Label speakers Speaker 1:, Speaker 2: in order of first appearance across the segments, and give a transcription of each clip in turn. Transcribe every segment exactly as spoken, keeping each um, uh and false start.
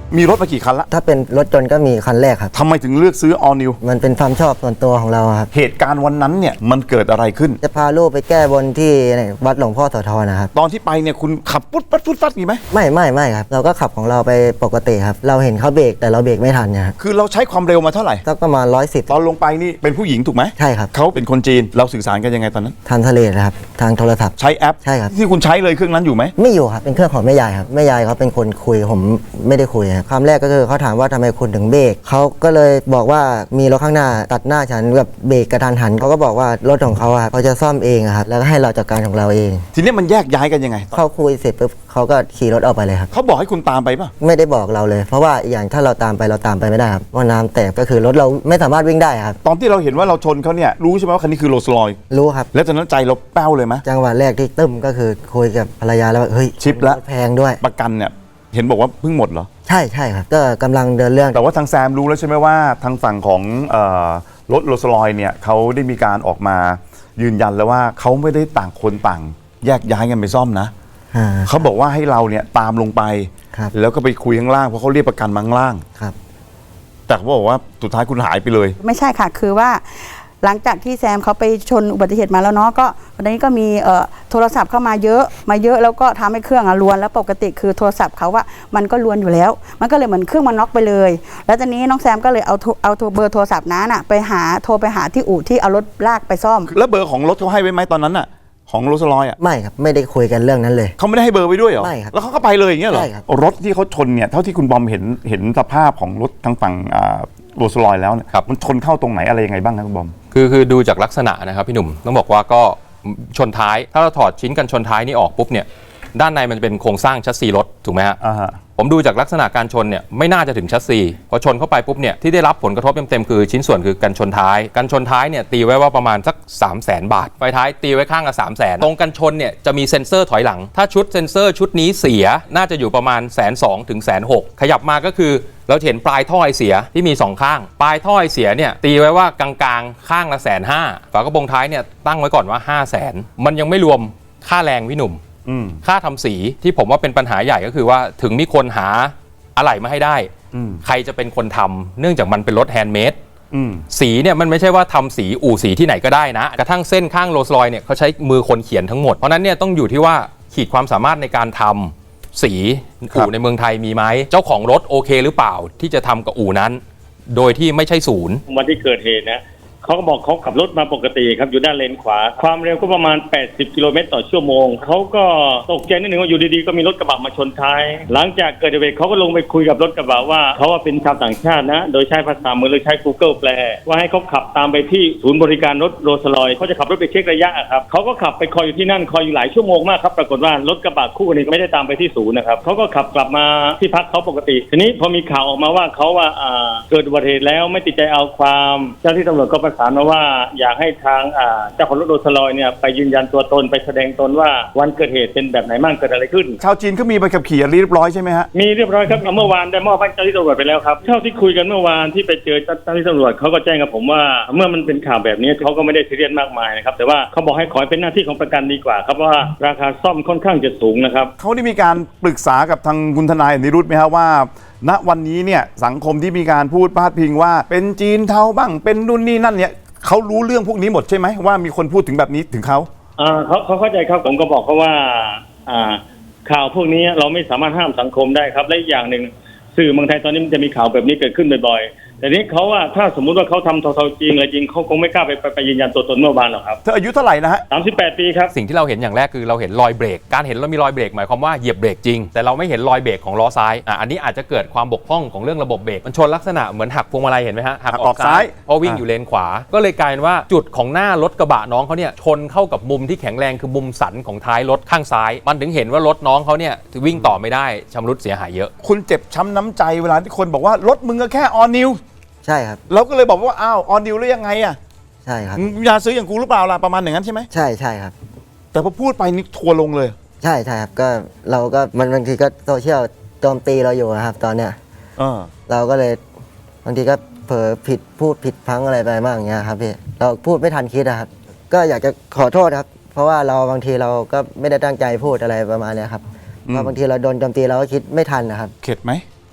Speaker 1: มีรถมากี่คันละ
Speaker 2: ถ้าเป็นรถยนต์ก็มีคันแรกครับ
Speaker 1: ทำไมถึงเลือกซื้อ All New
Speaker 2: มันเป็นความชอบส่วนตัวของเราครับ
Speaker 1: เหตุการณ์วันนั้นเนี่ยมันเกิดอะไรขึ้น
Speaker 2: จะพาลูกไปแก้บนที่วัดหลวงพ่อโสธรนะครับ
Speaker 1: ตอนที่ไปเนี่ยคุณขับปุ๊ดปัดปุ๊ดปัดมีไหม
Speaker 2: ไม่ไม่ไม่ครับเราก็ขับของเราไปปกติครับเราเห็นเขาเบรกแต่เราเบรกไม่ทันนะครับ
Speaker 1: คือเราใช้ความเร็วมาเท่าไหร่
Speaker 2: สักประมาณร้อยสิบ
Speaker 1: ตอนลงไปนี่เป็นผู้หญิงถูกไหม
Speaker 2: ใช่ครับ
Speaker 1: เขาเป็นคนจีนเราสื่อสารกันยังไงตอนนั้น
Speaker 2: ทางทะเลนะครับทางโทรศัพท์
Speaker 1: ใช้แอป
Speaker 2: ใช่ครับ
Speaker 1: ที่คุณใช้เลยเครื่องนั้นอยู่ไหม
Speaker 2: ไม่อยู่ครับเป็นเครื่องของแม่ยายครับแม่ยายเขาเป็นคนคุยผมไม่ได้คุยครับคำแรกก็คือเขาถามว่าทำไมคุณถึงเบรกเขาก็เลยบอกว่ามีรถข้างหน้าตัดหน้าฉันแบบเบรกกระทันหันเขาก็บอกว่ารถของเขาอะเขาจะซ่อมเองครับแล้วก็ให้เราจัดการของเราเอง
Speaker 1: ทีนี้มันแยกย้ายกันยังไง
Speaker 2: เขาคุยเสร็จปุ๊บเขาก็ขี่รถออกไปเลยครับ
Speaker 1: เขาบอกให้คุณตามไปป่ะ
Speaker 2: ไม่ได้บอกเราเลยเพราะว่าอย่างถ้าเราตามไปเราตามไปไม่ได้ครับเพราะน้ำแตกก็คือรถเราไม่สามารถวิ่งได้ครับ
Speaker 1: ตอนที่เราเห็นว่าเราชนเขาเนี่ยรู้ใช่ไหมว่าคันนี้คือโรลส์รอยซ์
Speaker 2: รู้ครับ
Speaker 1: แล้วตอนนั้นใจเราแป้วเลยไหม
Speaker 2: จังหวะแรกที่ตึ้มก็คือคุยกับภรรยาแล้วว่าเฮ้ย
Speaker 1: ชิปแล้ว
Speaker 2: แพงด้วย
Speaker 1: ประกันเนี่ยเห็นบอกว่าเพิ่งหมดเหรอ
Speaker 2: ใช่ใช่ครับก็กำลังเดินเรื่อง
Speaker 1: แต่ว่าทางแซมรู้แล้วใช่ไหมว่าทางฝั่งของรถโรลส์รอยซ์เนี่ยเขาได้มีการออกมายืนยันแล้วว่าเขาไม่ได้ต่างคนต่างแยกย้ายกันไปซ่อมนะเขาบอกว่าให้เราเนี่ยตามลงไปแล้วก็ไปคุยข้างล่างเพราะเขาเรียกประกันมาข้างล่าง
Speaker 2: ครับ
Speaker 1: แต่เขาบอกว่าสุดท้ายคุณหายไปเลย
Speaker 3: ไม่ใช่ค่ะคือว่าหลังจากที่แซมเขาไปชนอุบัติเหตุมาแล้วเนาะก็วันนี้ก็มีเอ่อโทรศัพท์เข้ามาเยอะมาเยอะแล้วก็ทำให้เครื่องอะรวนแล้วปกติคือโทรศัพท์เขาว่ามันก็รวนอยู่แล้วมันก็เลยเหมือนเครื่องมันน็อกไปเลยแล้วตอนนี้น้องแซมก็เลยเอาเอาเบอร์โทรศัพท์นั้นอะไปหาโทรไปหาที่อู่ที่เอารถลากไปซ่อม
Speaker 1: แล้วเบอร์ของรถเขาให้ไว้ไหมตอนนั้นอะของโรลส์รอยซ์อ่ะ
Speaker 2: ไม่ครับไม่ได้คุยกันเรื่องนั้นเลย
Speaker 1: เขาไม่ได้ให้เบอร์ไว้ด้วยเหรอ
Speaker 2: ไม่ครับ
Speaker 1: แล้วเขาก็ไปเลยอย่างเงี้ยเหรอ
Speaker 2: ใช่ครับ
Speaker 1: รถที่เขาชนเนี่ยเท่าที่คุณบอมเห็นเห็นสภาพของรถทางฝั่งโรลส์รอยซ์แล้วเนี่ยมันชนเข้าตรงไหนอะไรยังไงบ้างครับคุณบอม
Speaker 4: คือคือดูจากลักษณะนะครับพี่หนุ่มต้องบอกว่าก็ชนท้ายถ้าเราถอดชิ้นกันชนท้ายนี่ออกปุ๊บเนี่ยด้านในมันเป็นโครงสร้างชัสซีรถถูกไหมฮะผมดูจากลักษณะการชนเนี่ยไม่น่าจะถึงชัสซีพอชนเข้าไปปุ๊บเนี่ยที่ได้รับผลกระทบเต็มๆคือชิ้นส่วนคือกันชนท้ายกันชนท้ายเนี่ยตีไว้ว่าประมาณสัก สามแสน บาทไฟท้ายตีไว้ข้างละ สามแสน ตรงกันชนเนี่ยจะมีเซ็นเซอร์ถอยหลังถ้าชุดเซ็นเซอร์ชุดนี้เสียน่าจะอยู่ประมาณ แสนสอง ถึง แสนหก ขยับมาก็คือเราเห็นปลายท่อไอเสียที่มีสองข้างปลายท่อไอเสียเนี่ยตีไว้ว่ากลางๆข้างละ แสนห้า ฝากระโปรงท้ายเนี่ยตั้งไว้ก่อนว่า ห้าแสน มันยังไม่รวมค่าแรงพี่หนุ่มค่าทำสีที่ผมว่าเป็นปัญหาใหญ่ก็คือว่าถึงมีคนหาอะไหล่มาให้ได้ใครจะเป็นคนทำเนื่องจากมันเป็นรถแฮนด์เมดสีเนี่ยมันไม่ใช่ว่าทำสีอู่สีที่ไหนก็ได้นะกระทั่งเส้นข้างโรลส์รอยซ์เนี่ยเขาใช้มือคนเขียนทั้งหมดเพราะนั้นเนี่ยต้องอยู่ที่ว่าขีดความสามารถในการทำสีอู่ในเมืองไทยมีไหมเจ้าของรถโอเคหรือเปล่าที่จะทำกับอู่นั้นโดยที่ไม่ใช่ศูนย์
Speaker 5: วันที่เกิดเหตุนะเขาก็บอกเขาขับรถมาปกติครับอยู่ด้านเลนขวาความเร็วก็ประมาณแปดสิบกิโลเมตรต่อชั่วโมงเขาก็ตกใจนิดนึงว่าอยู่ดีๆก็มีรถกระบะมาชนท้ายหลังจากเกิดเหตุเขาก็ลงไปคุยกับรถกระบะว่าเขาว่าเป็นชาวต่างชาตินะโดยใช้ภาษามือหรือใช้ Google แปลว่าให้เขาขับตามไปที่ศูนย์บริการรถโรลส์รอยซ์เขาจะขับรถไปเช็คระยะครับเขาก็ขับไปคอยอยู่ที่นั่นคอยอยู่หลายชั่วโมงมากครับปรากฏว่ารถกระบะคู่นี้ไม่ได้ตามไปที่ศูนย์นะครับเขาก็ขับกลับมาที่พักเขาปกติทีนี้พอมีข่าวออกมาว่าเขาว่าเกิดอุบัติเหตุแล้วไม่ติดใจเอาความเจ้าที่ตำรวจก็ประสานมาว่าอยากให้ทางเจ้าของรถโรลส์รอยซ์เนี่ยไปยืนยันตัวตนไปแสดงตนว่าวันเกิดเหตุเป็นแบบไหนบ้างเกิดอะไรขึ้น
Speaker 1: ชาวจีนเขามีใบขับขี่เรียบร้อยใช่ไหมฮะ
Speaker 5: มีเรียบร้อยครับเมื่อวานได้มอบให้เจ้าที่ตำรวจไปแล้วครับเท่าที่คุยกันเมื่อวานที่ไปเจอเจ้าที่ตำรวจเขาก็แจ้งกับผมว่าเมื่อมันเป็นข่าวแบบนี้เขาก็ไม่ได้ซีเรียสมากมายนะครับแต่ว่าเขาบอกให้ขอเป็นหน้าที่ของประกันดีกว่าครับว่าราคาซ่อมค่อนข้างจะสูงนะครับ
Speaker 1: เขาได้มีการปรึกษากับทางคุณทนายนิรุตไหมครับว่าณวันนี้เนี่ยสังคมที่มีการพูดพาดพิงว่าเป็นจีนเทาบ้างเป็นนู่นนี่นั่นเนี่ยเขารู้เรื่องพวกนี้หมดใช่ไหมว่ามีคนพูดถึงแบบนี้ถึงเขา
Speaker 5: อ่าเขาเขาเข้าใจครับผมก็บอกเขาว่าอ่าข่าวพวกนี้เราไม่สามารถห้ามสังคมได้ครับและอีกอย่างหนึ่งสื่อเมืองไทยตอนนี้มันจะมีข่าวแบบนี้เกิดขึ้นบ่อยๆแต่นี้เขาว่าถ้าสมมุติว่าเขาทำเทาๆจริงอะไรจริงเขาคงไม่กล้าไปไปยืนยันตัวตนเมื่อวานหรอกครับ
Speaker 1: เธออายุเท่าไหร่นะฮะ
Speaker 5: สามสิบแปดปีครับ
Speaker 4: สิ่งที่เราเห็นอย่างแรกคือเราเห็นรอยเบรกการเห็นเรามีรอยเบรกหมายความว่าเหยียบเบรกจริงแต่เราไม่เห็นรอยเบรกของล้อซ้ายอ่ะอันนี้อาจจะเกิดความบกพร่องของเรื่องระบบเบรกมันชนลักษณะเหมือนหักพวงมาลัยเห็นไหมฮะหักออกซ้ายเพราะวิ่งอยู่เลนขวาก็เลยกลายเป็นว่าจุดของหน้ารถกระบะน้องเขาเนี่ยชนเข้ากับมุมที่แข็งแรงคือมุมสันของท้ายรถข้างซ้ายมันถึงเห็นว่ารถน้องเขาเนี่ยวิ่งต่อไม่ได้ชำรุดเสียหายเยอะ
Speaker 1: คุณเจ็บช้ำน้ำใจเวลาที่คนบอกว่ารถมึงก็แค่ออนิว
Speaker 2: ใช่ครับ
Speaker 1: เราก็เลยบอกว่าอ้าวออนิวแล้วยังไงอ่ะ
Speaker 2: ใช่ครับ
Speaker 1: อย่าซื้ออย่างกูหรือเปล่าล่ะประมาณอย่างนั้นใช่ไหม
Speaker 2: ใช่ใช่ครับ
Speaker 1: แต่พอพูดไปนี่ทัวลงเลย
Speaker 2: ใช่ใช่ครับก็เราก็มันบางทีก็โซเชียลโจมตีเราอยู่นะครับตอนเนี้ยเราก็เลยบางทีก็เผลอผิดพูดผิดพังอะไรไปบ้างอย่างเงี้ยครับพี่เราพูดไม่ทันคิดนะครับก็อยากจะขอโทษครับเพราะว่าเราบางทีเราก็ไม่ได้ตั้งใจพูดอะไรประมาณนี้ครับเพราะบางทีเราโดนโจมตีเราก็คิดไม่ทันนะครับ
Speaker 1: เข็ดไหม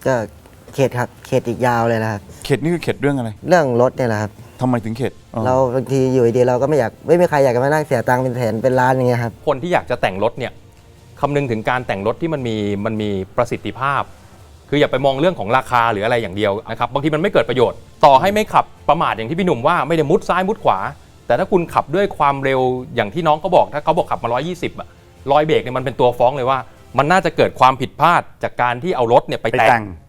Speaker 2: ก็เข็ดครับเข็ดอีกยาวเลยนะครับ
Speaker 1: เข็ดนี่คือเข็ดเรื่องอะไร
Speaker 2: เรื่องรถเนี่ยแหละครับ
Speaker 1: ทำไมถึงเข็ดอ๋อ
Speaker 2: เราบางทีอยู่ดีๆเราก็ไม่อยากไม่มีใครอยากจะมานั่งเสียตังค์เป็นแสนเป็นล้านอย่างเงี้ยครับ
Speaker 4: คนที่อยากจะแต่งรถเนี่ยคำนึงถึงการแต่งรถที่มันมีมันมีประสิทธิภาพ คืออย่าไปมองเรื่องของราคาหรืออะไรอย่างเดียวนะครับบางทีมันไม่เกิดประโยชน์ต่อให้ไม่ขับประมาทอย่างที่พี่หนุ่มว่าไม่ได้มุดซ้ายมุดขวา แต่ถ้าคุณขับด้วยความเร็วอย่างที่น้องเขาบอกถ้าเขาบอกขับมาหนึ่งร้อยยี่สิบอะรอยเบรกเนี่ยมันเป็นตัวฟ้องเลยว่ามันน่าจะเกิดความผิดพลาดจากการที่เอารถเนี่ยไป
Speaker 1: ไป
Speaker 4: แต่
Speaker 1: แต่
Speaker 4: ง
Speaker 1: ง